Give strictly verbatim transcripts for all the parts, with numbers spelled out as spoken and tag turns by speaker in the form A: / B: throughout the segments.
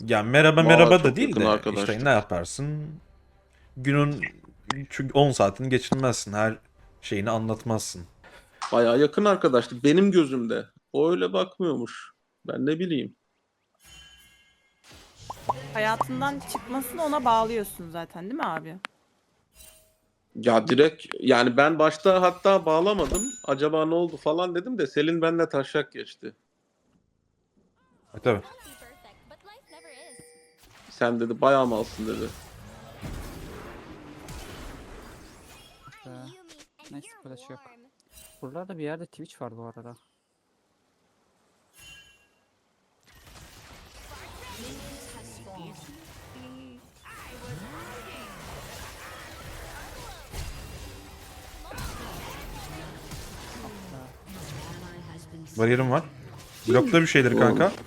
A: Ya merhaba
B: Vay
A: merhaba da
B: çok
A: değil
B: yakın
A: de işte ne
B: arkadaşlık.
A: yaparsın? Günün çünkü on saatini geçirmezsin. Her şeyini anlatmazsın.
B: Bayağı yakın arkadaşlık benim gözümde. O öyle bakmıyormuş. Ben ne bileyim.
C: Hayatından çıkmasını ona bağlıyorsun zaten değil mi abi?
B: Ya direkt yani ben başta hatta bağlamadım. Acaba ne oldu falan dedim de Selin benimle taşak geçti.
A: E tabii.
B: Sen dedi bayağı malsın dedi.
D: Ee, neyse flash yok. Buralarda bir yerde Twitch var bu arada.
A: Bariyerim var. Blokta bir şeyleri
B: Doğru.
A: kanka.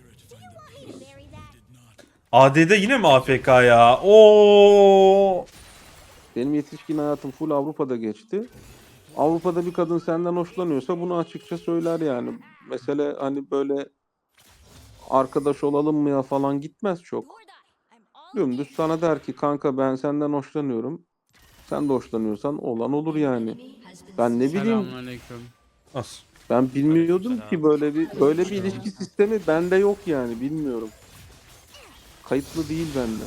A: A D'de yine mi A F K ya? Oo!
B: Benim yetişkin hayatım full Avrupa'da geçti. Avrupa'da bir kadın senden hoşlanıyorsa bunu açıkça söyler yani. Mesele hani böyle arkadaş olalım mı ya falan gitmez çok. Dümdüz sana der ki kanka ben senden hoşlanıyorum. Sen de hoşlanıyorsan olan olur yani. Ben ne bileyim,
E: Selamünaleyküm.
A: Nasıl?
B: ben bilmiyordum
F: Aleykümselam.
B: ki böyle bir böyle bir ilişki sistemi bende yok yani bilmiyorum. Kayıtlı değil bende.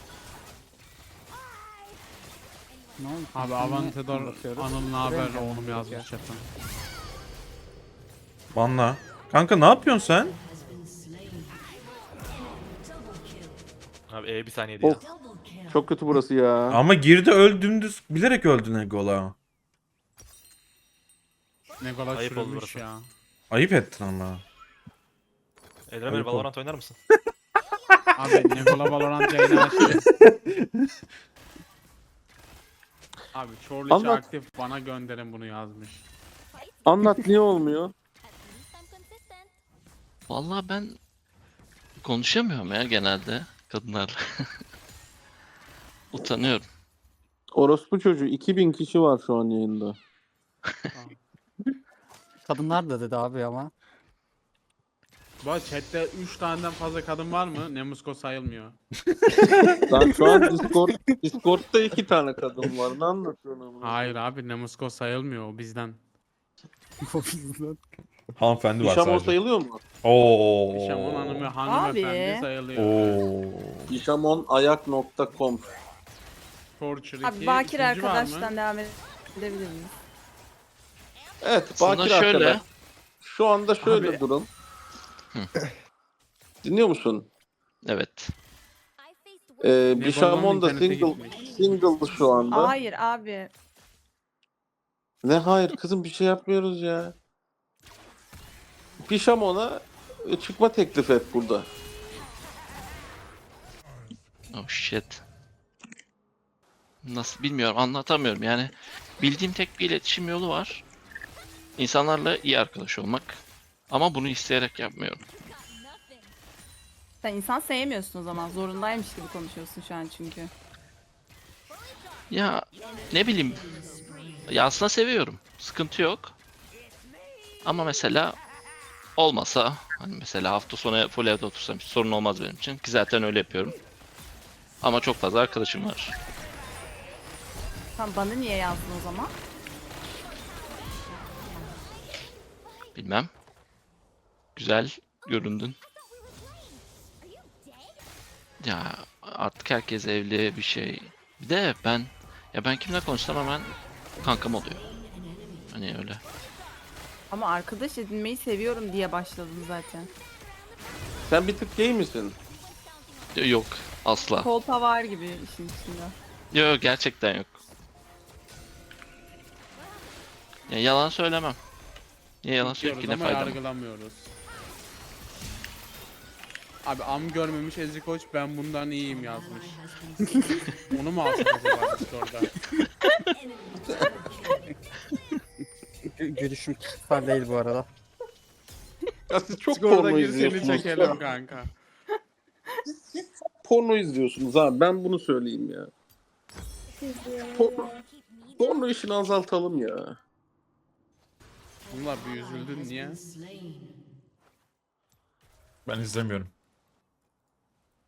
D: Ne oldu?
E: Abi
D: Niye
E: Avantador
D: bakıyoruz?
E: Anıl ne
D: Buraya
E: haber
D: mı
E: oğlum
D: gelmemiz
E: yazmış
D: gerekiyor?
E: chat'e.
A: Banla. Kanka ne yapıyorsun sen?
F: Abi E bir saniyede ya.
B: Of, çok kötü burası ya.
A: Ama girdi öl dümdüz. Bilerek öldün Egola.
E: Ne kadar
F: Ayıp oldu
E: çürümüş
F: burası.
E: ya.
A: Ayıp ettin ama.
F: Edremir
A: Ayıp
F: Valorant oynar mısın?
E: Abi Nekola Valorant yayını açtı. Abi Çorlu içi
B: Anlat.
E: aktif bana gönderin bunu yazmış.
B: Anlat niye olmuyor?
G: Vallahi ben konuşamıyorum ya genelde kadınlarla. Utanıyorum.
B: Orospu çocuğu iki bin kişi var şu an yayında.
D: Kadınlar da dedi abi ama.
E: Bu arada chatte üç taneden fazla kadın var mı? Nemusko sayılmıyor.
B: Lan şu an Discord Discord'da iki tane kadın var. Ne anlatıyorsun ama?
E: Hayır abi Nemusko sayılmıyor o bizden.
D: O bizden.
A: Hanımefendi var
B: Nişamon
A: sadece.
B: sayılıyor mu?
A: Oo.
E: Şamon hanımı hanımefendi
C: Abi.
E: sayılıyor. Evet.
A: Oo.
B: nişamonayak nokta com.
E: Torture
C: Abi
E: iki.
C: Bakir
E: ikinci var mı?
C: arkadaştan devam edebilir miyiz?
B: Evet,
G: Aslında
B: Bakir
G: şöyle.
B: arkadaş. Şu anda şöyle
E: Abi-
B: durum. Dinliyor musun?
G: Evet.
B: Ee,
E: Nego'nun
B: Bishamon da
E: internete
B: single,
E: gitmiş.
B: single şu anda.
C: Hayır abi.
B: Ne hayır kızım bir şey yapmıyoruz ya. Bishamon'a çıkma teklif et burada.
G: Oh shit. Nasıl bilmiyorum, anlatamıyorum yani. Bildiğim tek bir iletişim yolu var. İnsanlarla iyi arkadaş olmak. Ama bunu isteyerek yapmıyorum.
C: Sen insan sevmiyorsun o zaman. Zorundaymış gibi konuşuyorsun şu an çünkü.
G: Ya ne bileyim. Ya aslında seviyorum. Sıkıntı yok. Ama mesela olmasa hani mesela hafta sonu full evde otursam hiç sorun olmaz benim için. Ki zaten öyle yapıyorum. Ama çok fazla arkadaşım var.
C: Sen bana niye yazdın o zaman?
G: Bilmem. Güzel göründün. Ya artık herkes evli bir şey. Bir de ben ya ben kimle konuşsam hemen kankam oluyor. Hani öyle.
C: Ama arkadaş edinmeyi seviyorum diye başladın zaten.
B: Sen bir tık gay misin?
G: Yok asla.
C: Kolpa var gibi işin içinde.
G: Yok gerçekten yok. Ya yalan söylemem. Niye yalan söyleyeyim
E: Diyoruz
G: ki ne
E: ama
G: faydam?
E: yargılamıyoruz. Abi am görmemiş Ezri Koç ben bundan iyiyim yazmış. Onu mu alsak acaba Discord'da?
D: Gü- Gülüşüm kişisel değil bu arada.
B: Ya siz çok
E: Discord'a
B: porno
E: gir seni
B: izliyorsunuz.
E: çekelim kanka.
B: Porno izliyorsunuz abi. Ben bunu söyleyeyim ya. Porno, porno işini azaltalım ya.
E: Bunlar bir üzüldün niye?
A: Ben izlemiyorum.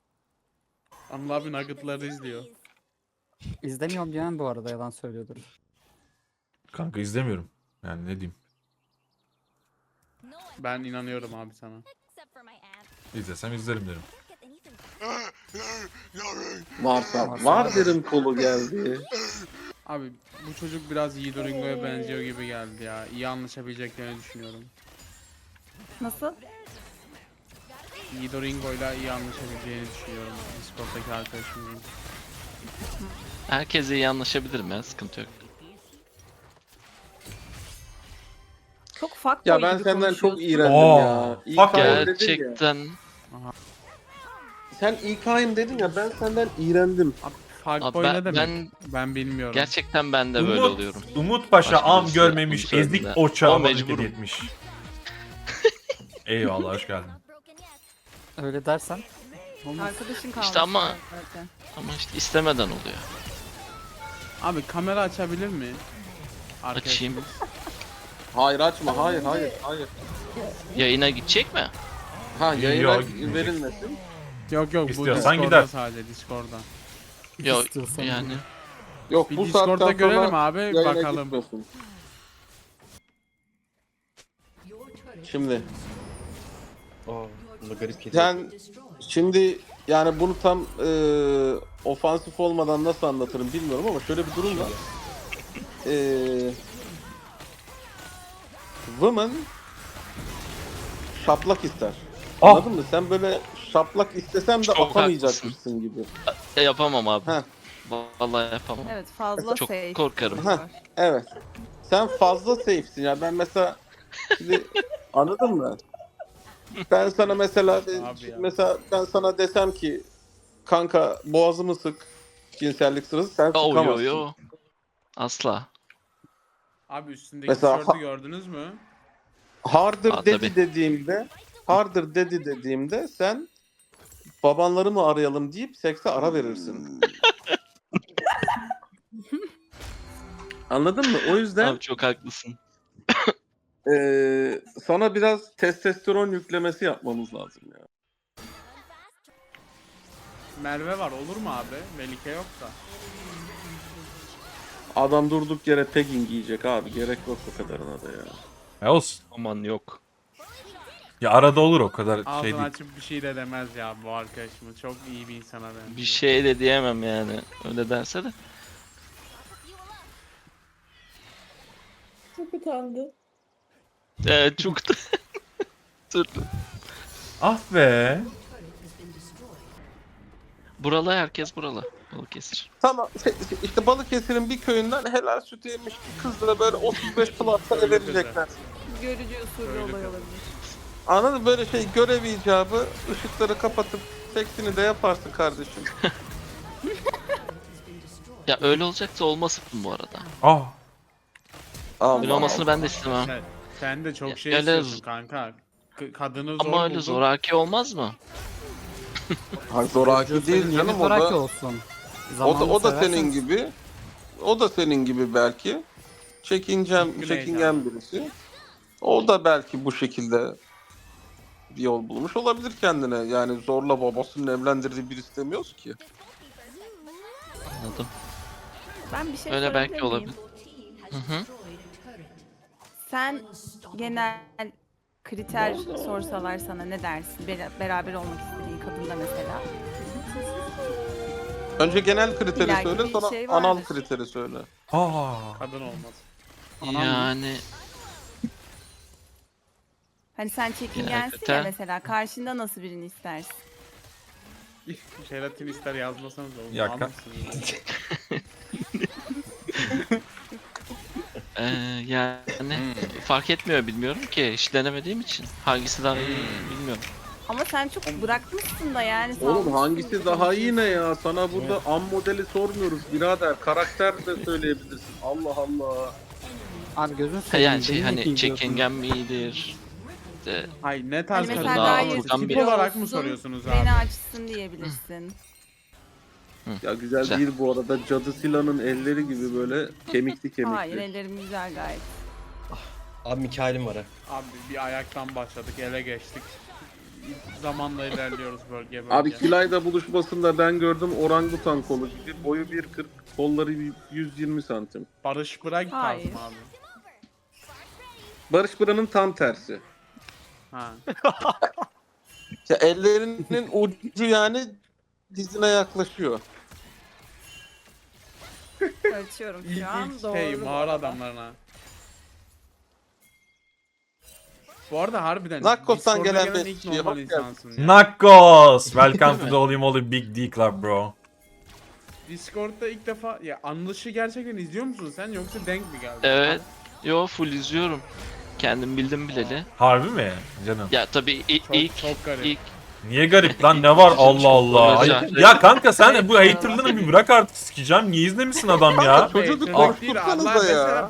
E: Anıl abi Nugget'ları izliyor.
D: İzlemiyorum diyen bu arada yalan söylüyordur.
A: Kanka izlemiyorum. Yani ne diyeyim.
E: Ben inanıyorum abi sana.
A: İzlesem izlerim derim.
B: Varsa var derim kolu geldi.
E: Abi bu çocuk biraz Yiğido Ringo'ya benziyor gibi geldi ya. İyi anlaşabileceklerini düşünüyorum.
C: Nasıl?
E: Yiğido Ringo'yla iyi anlaşabileceğini düşünüyorum. Discord'daki arkadaşımın.
G: Herkese iyi anlaşabilirim ya, sıkıntı yok.
C: Çok fuckboy
B: Ya ben
C: gibi
B: senden çok
C: konuşuyorsun.
B: iğrendim
A: Oo,
B: ya.
A: fuck
B: İK'yim dedin ya.
G: Gerçekten
B: Sen İK'yim dedin ya, ben senden iğrendim.
E: Abi
G: Abi
E: Fuckboy ne
G: ben,
E: demek? Ben,
G: ben
E: bilmiyorum.
G: gerçekten ben de böyle
A: Umut,
G: oluyorum.
A: Umut Paşa
G: Başka
A: am
G: birisi
A: görmemiş
G: bunu söyledi
A: ezik
G: de.
A: oça
G: Ama
A: abonelik
G: mecburum.
A: hediye etmiş. Eyvallah hoş geldin.
D: Öyle dersen olmaz.
C: Arkadaşın kalmış.
G: İşte ama-
C: zaten.
G: Ama işte istemeden oluyor.
E: Abi kamera açabilir mi?
G: Açayım.
E: Arkadaşımız.
B: Hayır açma, hayır hayır hayır.
G: Yayına gidecek mi?
B: Ha yayına
A: Yok, gitmeyecek.
B: verilmesin.
E: Yok yok bu
A: İstiyorsan
E: Discord'da
A: gider.
E: sadece Discord'da.
G: Yok
D: İstiyorsan
G: yani.
B: Yok
E: Bir
B: bu
E: Discord'da
B: saatten
E: görelim
B: sonra
E: abi
B: yayına
E: bakalım.
B: gitmesin. Şimdi
F: Oo, bunda garip kedi.
B: sen şimdi yani bunu tam e, ofansif olmadan nasıl anlatırım bilmiyorum ama şöyle bir durum var. E, woman şaplak ister.
A: Ah!
B: Anladın mı? Sen böyle şaplak istesem de
G: Çok
B: atamayacakmışsın gibi.
G: E, yapamam abi.
B: Heh.
G: Vallahi yapamam.
C: Evet fazla
G: Çok
C: safe.
G: korkarım.
B: Heh. Evet. Sen fazla safe'sin ya. Ben mesela şimdi anladın mı? Ben sana mesela
E: Abi ya.
B: mesela ben sana desem ki kanka boğazımı sık cinsellik sırası sen
G: Yo yo
B: sıkamazsın.
G: yo. Asla.
E: Abi üstündeki
B: Mesela-
E: tişörtü gördünüz mü?
B: Harder
G: Aa,
B: dedi
G: tabii.
B: dediğimde harder dedi dediğimde sen babanları mı arayalım deyip sekse ara verirsin. Anladın mı? O yüzden
G: Abi çok haklısın.
B: eee, sana biraz testosteron yüklemesi yapmamız lazım ya.
E: Merve var olur mu abi? Melike yok da.
B: Adam durduk yere pegging giyecek abi. Gerek yok o kadarına da ya.
A: Ya olsun.
G: Aman yok.
A: Ya arada olur o kadar şey
E: Ağzını
A: değil.
E: açıp bir şey de demez ya bu arkadaşımız. Çok iyi bir insana benziyor.
G: Bir şey de diyemem yani. Öyle derse de.
C: Çok utandı.
G: Evet çok da. Dur.
A: Ah be.
G: Buralı herkes buralı. Balıkesir.
B: Tamam şey- şey, işte Balıkesir'in bir köyünden helal sütü yemiş bir kızla böyle otuz beş plus'ta eve verecekler.
C: Görücü usulü
E: Öyle
C: olay
E: kızım.
C: olabilir.
B: Anladın mı? Böyle şey görev icabı ışıkları kapatıp seksini de yaparsın kardeşim.
G: Ya öyle olacaksa olmasın bu arada.
A: Ah.
B: Allah
G: Öyle olmasını ben de istemem.
E: Sen, sen de çok
G: Ya,
E: şey
G: öyle
E: istiyorsun
G: z-
E: kanka. K- kadını zor
G: Ama öyle
E: buldun.
G: zoraki olmaz mı?
B: Hayır, zoraki değil
D: Yeni
B: canım o
D: zoraki
B: da,
D: olsun.
B: o da,
D: Zamanla
B: o da
D: seversen-
B: senin gibi. O da senin gibi belki. Çekincem,
E: Güney
B: çekingen birisi. O da belki bu şekilde bir yol bulmuş olabilir kendine. Yani zorla babasının evlendirdiği bir istemiyoruz ki.
G: Anladım.
C: Ben bir şey
G: Öyle
C: sorabilir
G: belki
C: miyim?
G: olabilir. Hı hı.
C: Sen genel kriter sorsalar sana ne dersin? Bera- beraber olmak istediğin kadında mesela.
B: Önce genel kriteri
C: İllaki
B: söyle,
C: bir
B: sonra
C: şey
B: anal
C: vardır.
B: kriteri söyle.
A: Aa.
E: Kadın olmaz.
G: Yani
C: Hani sen çekingensin
G: kriter.
C: ya mesela karşında nasıl birini istersin?
E: Jelatin ister yazmasanız da olur.
A: Ya,
E: Anlarsınız.
G: Ee, yani fark etmiyor bilmiyorum ki hiç denemediğim için hangisi daha iyi bilmiyorum.
C: Ama sen çok bırakmışsın da yani.
B: Oğlum
C: salmışsın
B: hangisi
C: gibi
B: daha iyi
C: konuşuyorsun.
B: ne ya? Sana burada am modeli sormuyoruz birader. Karakter de söyleyebilirsin. Allah Allah.
D: Abi gözün
G: Ha,
D: seveyim.
G: yani şey
D: beni
G: hani
D: niye diyorsun?
G: çekingen mi iyidir? İşte
E: Hayır ne tarz
C: Hani
E: kadın
C: mesela
G: daha
C: gayet
G: alırdan
E: Tip
G: bir-
C: kilo
E: olarak mı
C: olsun,
E: soruyorsunuz abi?
C: beni açsın diyebilirsin.
B: Ya güzel,
G: Güzel.
B: değil bu arada. Cadı Sila'nın elleri gibi böyle kemikli kemikli.
C: Hayır ellerim güzel gayet.
F: Abi Mikail'im var ha.
E: Abi bir ayaktan başladık ele geçtik. zamanla ilerliyoruz bölge bölge.
B: Abi Kilay'da buluşmasında ben gördüm orangutan kolu gibi. Boyu bir kırk, kolları yüz yirmi santim.
E: Barış Bırak tarzı
C: Hayır.
E: mı abi?
B: Barış Bıra'nın tam tersi.
E: Ha.
B: Ya ellerinin ucu yani dizine yaklaşıyor.
C: Ölçüyorum
E: İlk,
C: şu an.
E: ilk
C: Doğru.
E: şey
C: bu
E: mağara
C: arada.
E: adamlarına. Bu arada harbiden
B: Nakkos'tan
E: Discord'a
B: gelen
E: gelen
B: bir
E: ilk
B: şey,
E: normal
B: hoş
E: insansın ya.
A: Nakkos! Welcome to the Holy Moly Big D Club bro.
E: Discord'da ilk defa ya anlışı gerçekten izliyor musun sen yoksa denk mi geldi?
G: Evet. Yo full izliyorum. Kendim bildim bileli.
A: Harbi mi canım?
G: Ya tabii i-
E: Çok
G: ilk
E: çok garip.
G: ilk
A: Niye garip lan ne var Allah Allah. Ay-
G: Özel.
A: ya kanka sen de bu haterlığını bir bırak artık sikeceğim. Niye izlemişsin adam ya?
B: Çocuğu bir
E: Hater değil,
B: korkutsanıza
E: Allah
B: ya.
E: mesela-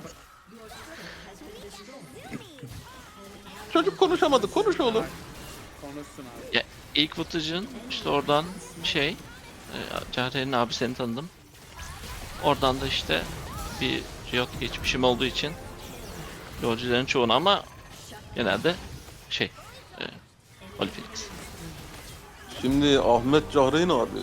B: Çocuk konuşamadı. Konuş oğlum.
E: Konuşsun abi.
G: ya ilk footage'ın işte oradan şey e, Cahre'nin abi seni tanıdım. Oradan da işte bir Riot geçmişim olduğu için yolcuların çoğunu ama genelde şey e, Holy Phoenix.
B: Şimdi Ahmet Cahreyn abi.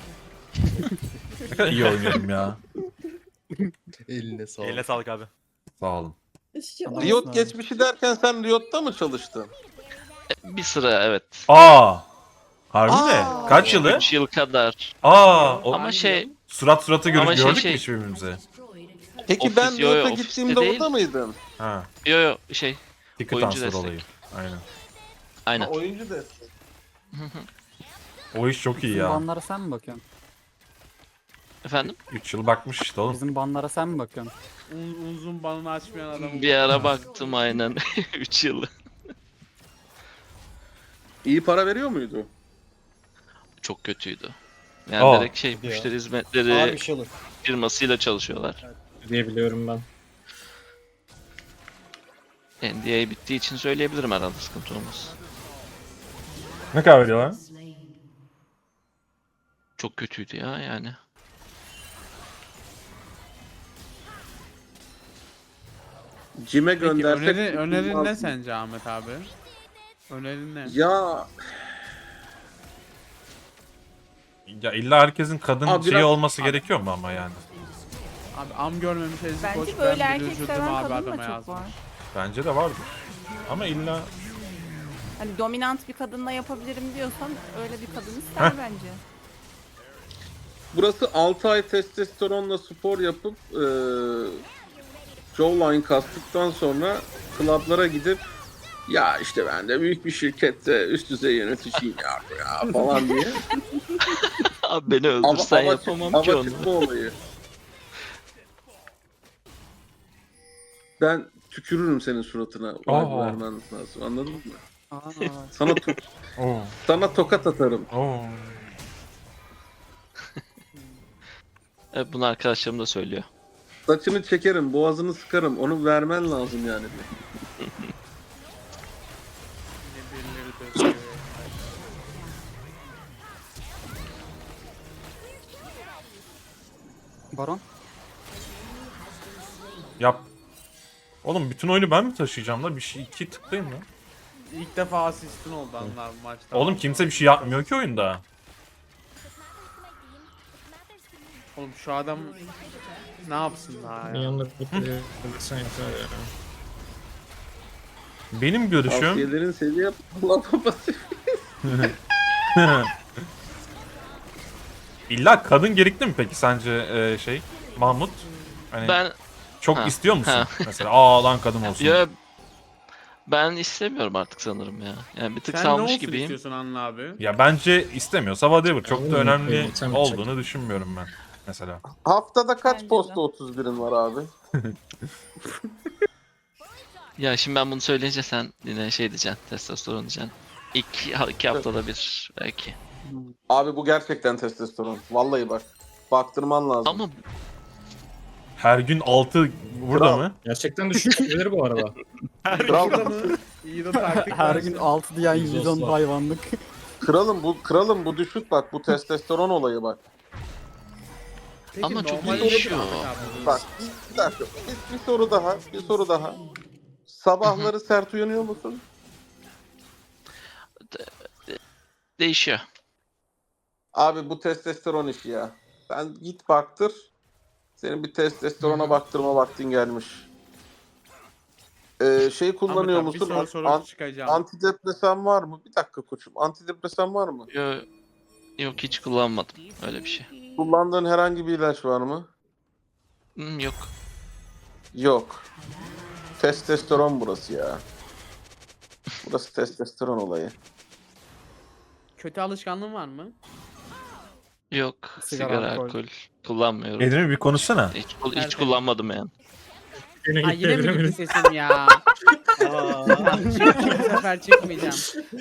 A: Ne kadar iyi oynuyorum ya.
F: Eline sağlık.
H: Eline sağlık abi.
A: Sağ olun.
B: Riot geçmişi derken sen Riot'ta mı çalıştın?
G: E, bir sıra evet.
A: Aa. Harbi
B: Aa.
A: mi? Kaç yılı?
G: üç yıl kadar.
A: Aa. O
G: Ama şey
A: surat surata gör-
G: Ama şey,
A: gördük
G: şey-
A: mü hiç birbirimizi?
B: Peki
G: Ofis-
B: ben
G: yo, yo,
B: Riot'a
G: ofiste
B: gittiğimde
G: değil.
B: orada mıydın?
A: Ha.
G: yo yo şey
A: Ticket
G: Oyuncu
A: transfer
G: destek.
A: olayı. Aynen.
G: aynen.
B: Oyuncu destek.
A: O iş çok iyi
D: Bizim
A: ya.
D: banlara sen mi bakıyorsun?
G: Efendim?
A: üç yıl bakmış işte oğlum.
D: Bizim banlara sen mi bakıyorsun?
E: Un, uzun banını açmayan adamı.
G: Bir ara baktım aynen üç yıl.
B: İyi para veriyor muydu?
G: Çok kötüydü. Yani
A: Aa.
G: direkt şey
F: Ya.
G: müşteri
F: Ağır
G: hizmetleri
F: bir şey olur
G: firmasıyla çalışıyorlar.
F: diyebiliyorum ben.
G: N D A bittiği için söyleyebilirim herhalde sıkıntı olmaz.
A: Ne kadar veriyorlar?
G: Çok kötüydü ya yani.
B: Cime
E: Peki
B: göndersek...
E: öneri, önerin ne
B: tutulmaz.
E: sence Ahmet abi? Önerin ne?
B: Ya
A: Ya illa herkesin kadın
B: Abi
A: şeyi
B: biraz-
A: olması
B: Abi-
A: gerekiyor mu ama yani?
E: Abi am görmemiş Ezgi Koç
C: Bence böyle
E: ben bir
C: erkek
E: üzüldüm
C: seven
E: abi
C: kadın da
E: adama
C: çok
E: yazmış.
C: var.
A: Bence de vardır. Ama illa
C: Hani dominant bir kadınla yapabilirim diyorsan öyle bir kadın ister bence.
B: burası altı ay testosteronla spor yapıp eee jawline kastıktan sonra klaplara gidip ya işte ben de büyük bir şirkette üst düzey yöneticiyim ya, ya falan diye.
G: Abi beni
B: Ama,
G: öldürsen
B: ama,
G: yapamam
B: ama
G: ki onu.
B: çıkma olayı. Ben tükürürüm senin suratına.
A: Aa.
B: Vermen lazım. Anladın mı?
D: Aa,
B: Sana to-
A: Oo.
B: sana tokat atarım.
A: Oo.
G: Evet, bunu arkadaşlarım da söylüyor.
B: Saçını çekerim, boğazını sıkarım. Onu vermen lazım yani.
E: Yine birileri dövüyor.
D: Baron.
A: Yap. Oğlum bütün oyunu ben mi taşıyacağım la? Bir şey iki tıklayayım lan.
E: İlk defa asistin oldu anlar bu maçta.
A: Oğlum kimse bir şey yapmıyor ki oyunda.
E: Oğlum şu adam ne yapsın daha ya?
F: Yanında sen yeter ya.
A: Benim görüşüm
B: Tavsiyelerin seviye babası.
A: illa kadın gerekli mi peki sence e, şey Mahmut? Hani
G: Ben
A: çok
G: Ha,
A: istiyor musun?
G: ha.
A: Mesela aa lan kadın olsun.
G: ya ben istemiyorum artık sanırım ya. Yani bir tık
E: Sen ne
G: salmış
E: olsun
G: gibiyim.
E: istiyorsun Anıl abi?
A: Ya bence istemiyorsa whatever. Çok da
F: Oğlum,
A: önemli
F: evet, sen
A: olduğunu düşünmüyorum ben. Mesela.
B: Haftada kaç
C: Bence de.
B: posta otuz birin var abi?
G: Ya şimdi ben bunu söyleyince sen yine şey diyeceksin, testosteron diyeceksin. İki, iki haftada bir belki.
B: Abi bu gerçekten testosteron. Vallahi bak. Baktırman lazım.
G: Ama
A: Her gün altı burada
B: Kral.
A: mı?
F: Gerçekten düşünceleri bu arada.
B: Kral,
E: Burada mı? İyi de taktik
D: Her
E: versin.
D: gün altı diyen yüz on
F: Yüzoslar.
D: hayvanlık.
B: kralım bu kralım bu düşük bak. Bu testosteron olayı bak.
E: Peki,
G: Ama çok
E: normal
G: değişiyor.
E: olur mu Ahmet abi?
B: Bak bir dakika. Bir, bir soru daha. Bir soru daha. Sabahları sert uyanıyor musun?
G: e, Değişiyor.
B: Abi bu testosteron işi ya. Sen git baktır. Senin bir testosterona baktırma vaktin gelmiş. Ee, şey kullanıyor
E: Ahmet abi,
B: musun?
E: Bir soru
B: An-
E: sorup
B: an-
E: çıkacağım.
B: antidepresan var mı? Bir dakika koçum. Antidepresan var mı?
G: Yo, yok hiç kullanmadım öyle bir şey.
B: Kullandığın herhangi bir ilaç var mı?
G: Hmm, yok.
B: Yok. Testosteron burası ya. Burası testosteron olayı.
E: Kötü alışkanlığın var mı?
G: Yok.
D: Sigara,
G: Sigara,
D: alkol.
G: alkol kullanmıyorum.
A: Edemir bir konuşsana.
G: Hiç, hiç
E: Tertemiz.
G: kullanmadım yani.
F: Yine
E: Ay
F: gitti
E: yine mi
F: Edemir.
E: gitti sesim ya? Çık- bu sefer çıkmayacağım.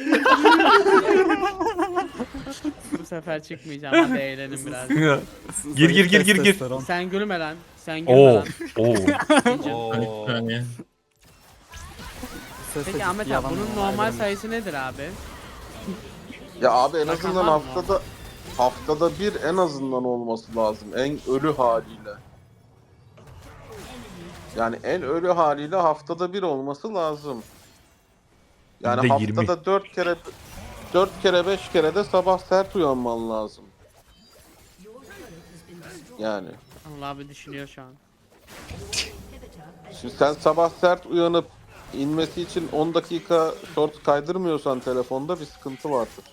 E: Bu sefer çıkmayacağım. Hadi eğlenin biraz.
A: Gir gir gir gir gir.
D: Testosteron.
E: Sen gülme lan. Sen gülme
A: Oo.
E: lan.
A: Oo.
F: Bir saniye.
D: Sesle
E: Peki Ahmet
D: ciddi
E: abi bunun
D: alamıyorum
E: normal
D: ayrılmış.
E: sayısı nedir abi?
B: Ya abi en
E: Rakam
B: azından
E: var mı?
B: haftada haftada bir en azından olması lazım. En ölü haliyle. Yani en ölü haliyle haftada bir olması lazım. Yani
A: Bir de yirmi.
B: haftada dört kere dört kere beş kere de sabah sert uyanman lazım. Yani.
E: Allah abi düşünüyor şu an.
B: Şimdi sen sabah sert uyanıp inmesi için on dakika short kaydırmıyorsan telefonda bir sıkıntı vardır.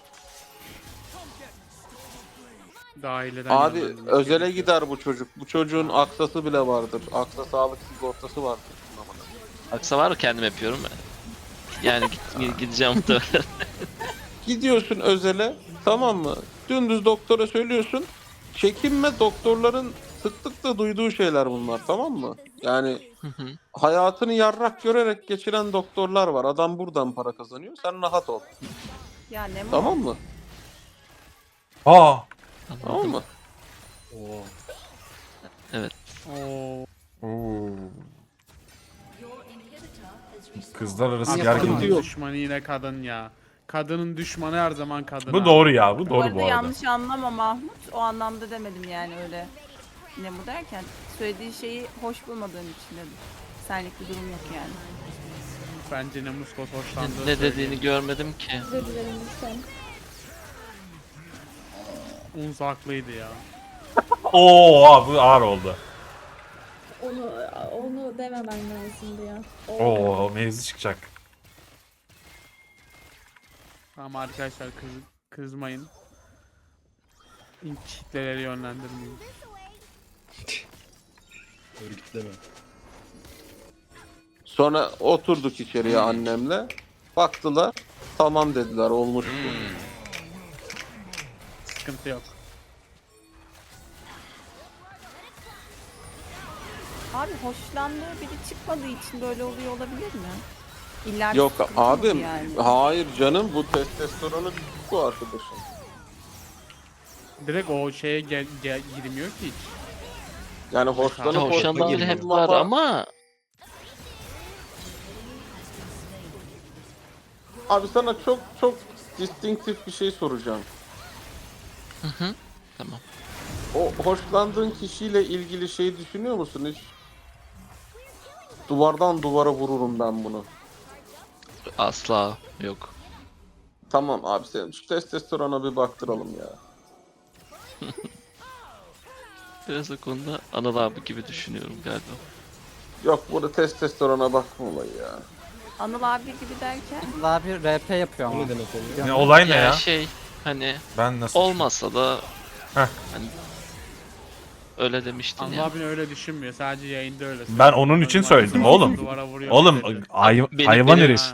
E: Dahileden
B: Abi
E: yönlendirmek
B: özele
E: gerekiyor.
B: gider bu çocuk. Bu çocuğun aksası bile vardır. Aksa sağlık sigortası vardır.
G: Aksa var mı kendim yapıyorum. Yani git, gideceğim muhtemelen.
B: Gidiyorsun özele, tamam mı? Dümdüz doktora söylüyorsun. Çekinme, doktorların sıklıkla duyduğu şeyler bunlar, tamam mı? Yani
G: Hı hı.
B: hayatını yarrak görerek geçiren doktorlar var. Adam buradan para kazanıyor. Sen rahat ol.
C: Ya ne mu?
B: Tamam mı?
A: Aa.
B: Tamam mı?
E: Oo.
A: Oo. Kızlar arası
E: Abi
A: gergin.
E: kadının düşmanı yine kadın ya. Kadının düşmanı her zaman kadın.
A: Bu
E: abi.
A: doğru ya. Bu
C: Bu
A: doğru
C: arada
A: bu arada.
C: yanlış anlama Mahmut. O anlamda demedim yani öyle. Ne bu derken söylediği şeyi hoş bulmadığım için dedim. Senlik bir durum yok yani.
E: Bence ne muskos hoşlandığı
G: Ne
E: söylüyor.
G: dediğini görmedim ki.
H: Özür dilerim lütfen.
E: Unz haklıydı ya.
A: Oo abi bu ağır oldu.
H: Onu onu dememen lazımdı ya. O-
A: Oo mevzu çıkacak.
E: Tamam arkadaşlar kız, kızmayın. İlk kitleleri yönlendirmeyin.
F: Örgütleme.
B: Sonra oturduk içeriye annemle. Baktılar. Tamam dediler, olmuş bu.
E: Sıkıntı yok.
C: Abi hoşlandığı biri çıkmadığı için böyle oluyor olabilir mi? İlla bir
B: Yok
C: sıkıntı mı
B: abim,
C: yani?
B: hayır canım, bu testosteronu düşük bu arkadaşın.
E: Direkt o şeye gel, gel, girmiyor ki hiç.
B: Yani hoşlanıp
E: Hoşlandığı
G: Hoşlandığı biri hep
B: hoşlanmamak-
G: var ama
B: Abi sana çok çok distinktif bir şey soracağım.
G: hı hı. Tamam.
B: O hoşlandığın kişiyle ilgili şey düşünüyor musun hiç? Duvardan duvara vururum ben bunu.
G: Asla yok.
B: Tamam abi, sen şu testosterona bir baktıralım ya.
G: Biraz o konuda Anıl abi gibi düşünüyorum galiba.
B: Yok, burada testosterona bakma olayı ya.
C: Anıl abi gibi derken
D: Daha bir R P yapıyor ama.
F: Ne demek oluyor?
A: Ne olay ne
G: Ya
A: ya?
G: şey hani
A: Ben nasıl?
G: olmasa da
A: Heh.
G: hani öyle demiştin
E: Allah
G: ya.
E: abin öyle düşünmüyor. Sadece yayında öyle.
A: Ben onun için söyledim oğlum.
E: Duvara vuruyor
A: Oğlum
E: dedi.
A: hay-
G: Benim-
A: hayvan
G: benim-
A: herif.
E: Ha.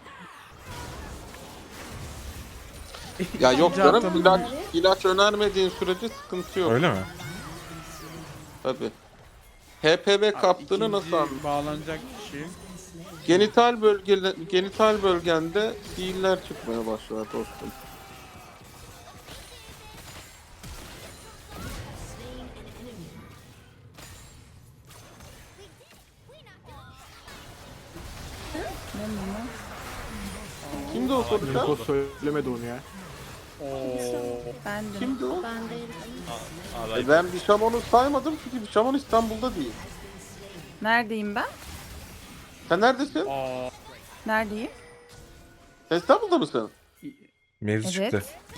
B: Ya yok
E: İkinci
B: canım,
E: haftanın-
B: ilaç, ilaç önermediğin sürece sıkıntı yok.
A: Öyle mi?
B: Tabii. H P V kaptığını
E: İkinci
B: nasıl anladın?
E: bağlanacak kişi.
B: Genital bölge genital bölgende siiller çıkmaya başlar dostum. Kimdi o konuşan?
I: Söylemedi onu ya.
C: ben de.
B: Kimdi o?
H: Ben değilim.
B: E ben Bişamon'u saymadım çünkü Bişamon İstanbul'da değil.
C: Neredeyim ben?
B: Sen neredesin?
E: Aa,
C: Neredeyim?
B: Sen İstanbul'da mısın?
A: Mevzu
C: Evet.
A: çıktı.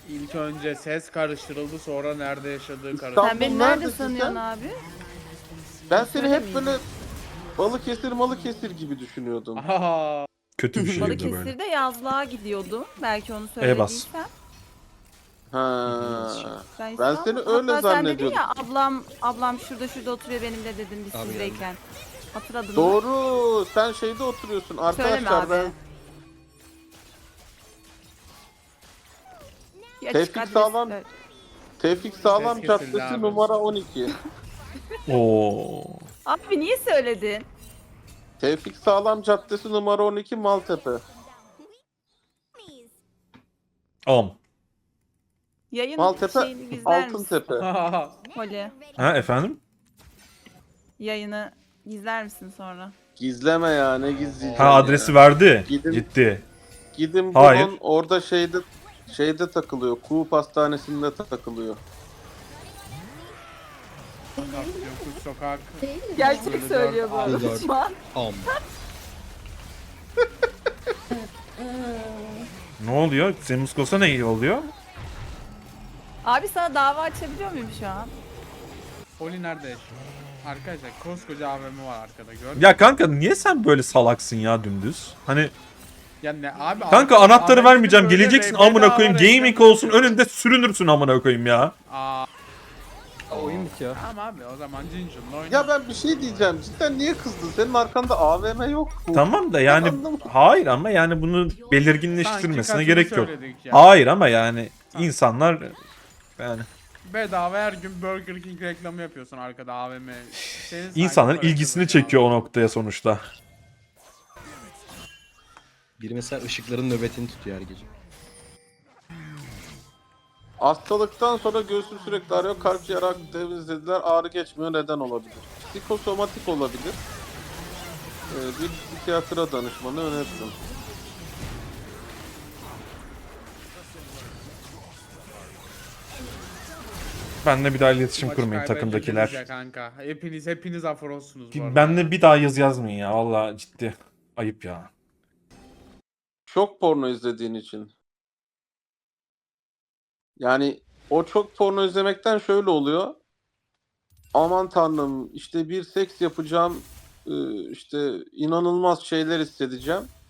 E: İlk önce ses karıştırıldı, sonra nerede yaşadığı
B: İstanbul-
E: karıştırıldı.
C: Sen beni nerede
B: neredesin
C: sanıyorsun
B: sen?
C: abi?
B: Ben seni hep
C: Söylemeyeyim.
B: böyle Balıkesir Malıkesir gibi düşünüyordum.
E: Aha.
A: Kötü bir şey bu da böyle.
C: Balıkesir'de yazlığa gidiyordum. Belki onu
A: E bas.
C: söylediysem.
B: Ha. Ben
C: İstanbul-
B: seni öyle
C: Hatta sen dedin
B: zannediyordum.
C: ya ablam ablam şurada şurada oturuyor benimle dedim biz
F: Abi
C: sizdeyken. Hatırladın mı?
B: Doğru. Sen şeyde oturuyorsun.
C: Söyleme
B: Arkadaşlar
C: abi.
B: ben
C: Bir açık
B: Tevfik
C: adres
B: Sağlam-
C: ver.
B: Tevfik Sağlam
E: Ses kesildi
B: Caddesi
E: abi.
B: numara on iki.
A: Oo.
C: Abi niye söyledin?
B: Tevfik Sağlam Caddesi numara on iki Maltepe.
A: On.
C: Yayın
B: Maltepe
C: şeyini gizler misin?
B: Altıntepe.
C: Holly.
A: Ha efendim?
C: Yayını gizler misin sonra?
B: Gizleme ya, ne gizleyeceğim
A: Ha
B: ya.
A: adresi verdi.
B: Gidin-
A: Gitti.
B: Gidin
A: Hayır.
B: bulun, orada şeyde şeyde takılıyor. Kuğu Pastanesi'nde takılıyor.
E: Sokak, yokuş sokak.
H: Değil mi?
C: Gerçek
E: Böyle
C: söylüyor bu
E: dört-
C: arada
F: dört.
C: şu an.
F: Am.
A: Ne oluyor? Senin Muskos'a ne iyi oluyor?
C: Abi sana dava açabiliyor muyum şu an?
E: Poli nerede yaşıyor? Arkadaşlar koskoca A V M var arkada, gördün mü?
A: Ya kanka niye sen böyle salaksın ya dümdüz? Hani
E: Ya ne abi?
A: kanka
E: arkada
A: anahtarı
E: A V M'de
A: vermeyeceğim.
E: böyle
A: Geleceksin
E: bedava
A: amına koyayım.
E: reklam
A: Gaming
E: yapıyor.
A: olsun önünde sürünürsün amına koyayım ya.
E: Aa,
D: Oyun bitiyor.
E: tamam abi, o zaman Cincun'la oyna.
B: Ya ben bir şey diyeceğim. Cidden niye kızdın? Senin arkanda A V M yok mu?
A: Tamam da yani
B: Anlamadım.
A: hayır ama yani bunu
E: Sanki
A: belirginleştirmesine
E: kaçını
A: gerek yok.
E: söyledik ya.
A: Hayır ama yani
E: Sanki.
A: insanlar yani
E: Bedava her gün Burger King reklamı yapıyorsun arkada A V M. Senin sanki
A: insanların
E: para
A: ilgisini
E: kazanıyor
A: çekiyor o
E: abi.
A: noktaya sonuçta.
F: Biri mesela ışıkların nöbetini tutuyor her gece.
B: Hastalıktan sonra göğsüm sürekli ağrıyor. Karaciğer temizlediler. Ağrı geçmiyor. Neden olabilir? Psikosomatik olabilir. Ee, bir psikiyatra danışmanı öneririm.
A: Benle bir daha iletişim
E: Maçı
A: kurmayın
E: kaybedeceğiz ya
A: takımdakiler.
E: kanka. Hepiniz hepiniz aforosunuz bu arada.
A: Benle bir daha yaz yazmayın ya. Vallahi ciddi. Ayıp ya.
B: Çok porno izlediğin için. Yani o çok porno izlemekten şöyle oluyor. Aman tanrım, işte bir seks yapacağım, e, işte inanılmaz şeyler hissedeceğim.